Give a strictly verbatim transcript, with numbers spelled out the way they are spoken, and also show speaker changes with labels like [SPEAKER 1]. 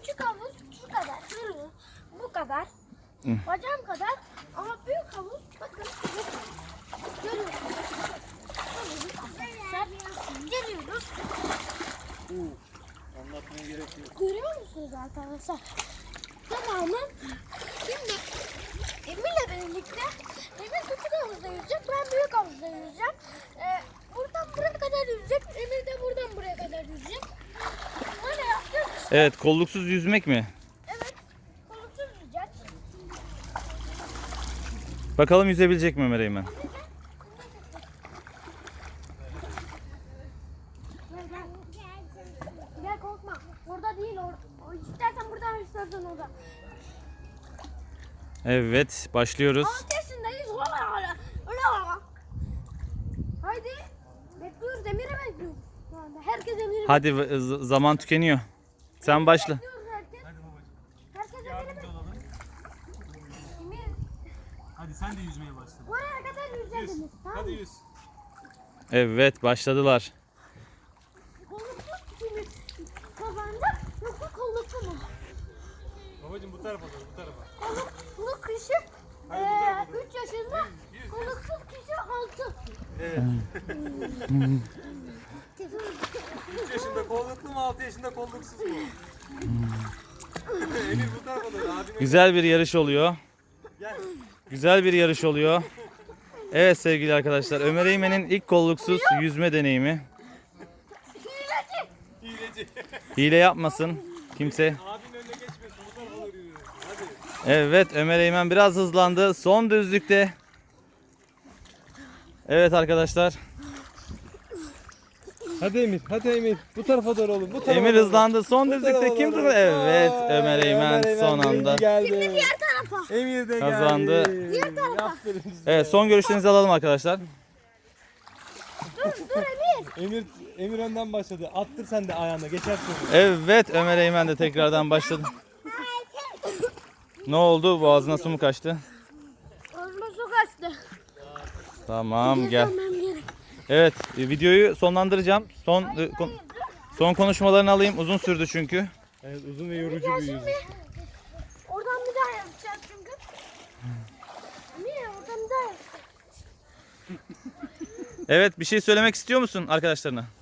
[SPEAKER 1] küçük havuz şu kadar. Şurası bu kadar.
[SPEAKER 2] Hı.
[SPEAKER 1] Bacağım kadar. Ama büyük havuz bakın. Görüyorsunuz. Arkadaşlar geliyoruz.
[SPEAKER 3] Anlatmaya gerek yok.
[SPEAKER 1] Görüyor musunuz arkadaşlar? Tamamen. Şimdi Emir'le birlikte Emir küçük havuzda yüzecek. Ben büyük havuzda yüzeceğim. Ee, buradan buraya kadar yüzecek. Emir de buradan buraya kadar yüzecek. Böyle yapacağız.
[SPEAKER 2] Evet, kolluksuz yüzmek mi?
[SPEAKER 1] Evet. Koluksuz yüzeceğiz.
[SPEAKER 2] Bakalım yüzebilecek mi Ömer Eymen?
[SPEAKER 1] Gel gel. Gel korkma. Orada değil. Or o istersen buradan istersen orada.
[SPEAKER 2] Evet, başlıyoruz.
[SPEAKER 1] altı yaşındayız. Ola ola. Ola ola. Haydi. Bekliyoruz. Emir'i bekliyoruz. Şu anda. Herkes Emir'i
[SPEAKER 2] Hadi z- zaman tükeniyor. Sen başla.
[SPEAKER 1] bekliyoruz. Herkes. Herkes Emir'i
[SPEAKER 3] Yardımcı
[SPEAKER 1] bekliyor.
[SPEAKER 3] olalım.
[SPEAKER 1] Emir.
[SPEAKER 3] Hadi sen de yüzmeye başla.
[SPEAKER 1] Oraya kadar yüzeceğiz Emir. Tamam
[SPEAKER 3] Hadi
[SPEAKER 1] mı?
[SPEAKER 3] yüz.
[SPEAKER 2] Evet, başladılar.
[SPEAKER 1] Kolluklu kimi kazanacak yoksa kolluklu mu?
[SPEAKER 3] Babacım bu tarafa doğru, bu tarafa.
[SPEAKER 1] Kolluklu kişi
[SPEAKER 3] Hayır, bu tarafa doğru.
[SPEAKER 1] üç yaşında, kolluksuz kişi altı.
[SPEAKER 3] Evet. üç yaşında kolluklu mu, altı yaşında kolluksuz mu? Emir bu tarafa doğru, abime
[SPEAKER 2] Güzel bir yarış oluyor.
[SPEAKER 3] gel.
[SPEAKER 2] Güzel bir yarış oluyor. Evet sevgili arkadaşlar, Ömer Eymen'in ilk kolluksuz yüzme deneyimi.
[SPEAKER 1] Hileci.
[SPEAKER 3] Hileci.
[SPEAKER 2] Hile yapmasın kimse.
[SPEAKER 3] Abinin önüne geçmesin, bu tarafa doğru yürü. Hadi.
[SPEAKER 2] Evet, Ömer Eymen biraz hızlandı. Son düzlükte. Evet arkadaşlar,
[SPEAKER 3] Hadi Emir, hadi Emir. Bu tarafa doğru oğlum, bu tarafa
[SPEAKER 2] Emir
[SPEAKER 3] doğru.
[SPEAKER 2] hızlandı. Son düzlükte kim durdu? Evet, Ömer Eymen son anda
[SPEAKER 3] geldi.
[SPEAKER 1] Diğer tarafa.
[SPEAKER 3] Emir de
[SPEAKER 2] Kazandı.
[SPEAKER 3] geldi.
[SPEAKER 1] Diğer tarafa.
[SPEAKER 3] Aferin size.
[SPEAKER 2] Evet, son görüşlerinizi alalım arkadaşlar.
[SPEAKER 1] Dur dur Emir.
[SPEAKER 3] Emir, Emir önden başladı. Attır sen de ayağına, geçersin.
[SPEAKER 2] Evet, Ömer Eymen de tekrardan başladı. Ne oldu? Boğazına su mu kaçtı?
[SPEAKER 1] Ağzıma su kaçtı.
[SPEAKER 2] Tamam, gel.
[SPEAKER 1] Tamam gel.
[SPEAKER 2] Evet, e, videoyu sonlandıracağım. Son e, kon- son konuşmalarını alayım. Uzun sürdü çünkü.
[SPEAKER 3] Evet, uzun ve yorucu
[SPEAKER 1] Gel
[SPEAKER 3] bir yüzüm.
[SPEAKER 1] şimdi. Oradan bir daha yapacağız çünkü. Emir oradan bir daha yapacağız.
[SPEAKER 2] Evet, bir şey söylemek istiyor musun arkadaşlarına?